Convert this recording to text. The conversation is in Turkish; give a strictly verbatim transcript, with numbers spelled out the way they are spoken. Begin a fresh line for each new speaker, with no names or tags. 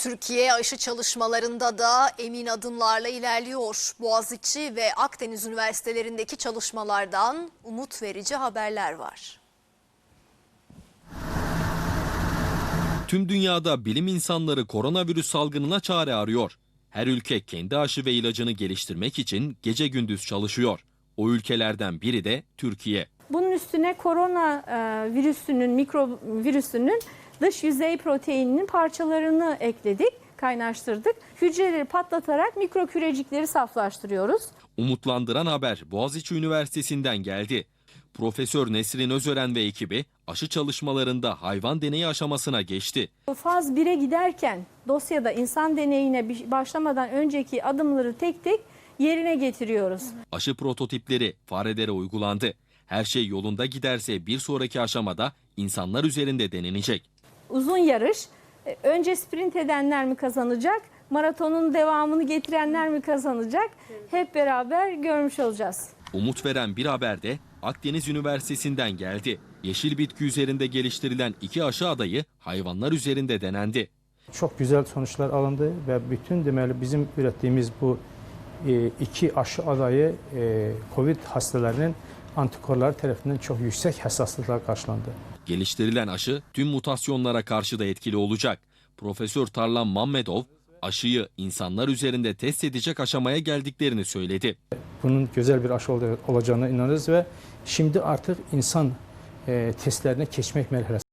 Türkiye aşı çalışmalarında da emin adımlarla ilerliyor. Boğaziçi ve Akdeniz üniversitelerindeki çalışmalardan umut verici haberler var.
Tüm dünyada bilim insanları koronavirüs salgınına çare arıyor. Her ülke kendi aşı ve ilacını geliştirmek için gece gündüz çalışıyor. O ülkelerden biri de Türkiye.
Bunun üstüne korona e, virüsünün, mikro virüsünün dış yüzey proteininin parçalarını ekledik, kaynaştırdık. Hücreleri patlatarak mikro kürecikleri saflaştırıyoruz.
Umutlandıran haber Boğaziçi Üniversitesi'nden geldi. Profesör Nesrin Özören ve ekibi aşı çalışmalarında hayvan deneyi aşamasına geçti.
Faz bire giderken dosyada insan deneyine başlamadan önceki adımları tek tek yerine getiriyoruz.
Aşı prototipleri farelere uygulandı. Her şey yolunda giderse bir sonraki aşamada insanlar üzerinde denenecek.
Uzun yarış, önce sprint edenler mi kazanacak, maratonun devamını getirenler mi kazanacak? Hep beraber görmüş olacağız.
Umut veren bir haber de Akdeniz Üniversitesi'nden geldi. Yeşil bitki üzerinde geliştirilen iki aşı adayı hayvanlar üzerinde denendi.
Çok güzel sonuçlar alındı ve bütün demeli bizim ürettiğimiz bu iki aşı adayı COVID hastalarının antikorları tarafından çok yüksek hassaslıkla karşılandı.
Geliştirilen aşı tüm mutasyonlara karşı da etkili olacak. Profesör Tarlan Mammedov aşıyı insanlar üzerinde test edecek aşamaya geldiklerini söyledi.
Bunun güzel bir aşı olacağına inanırız ve şimdi artık insan testlerine geçmek merhalesi.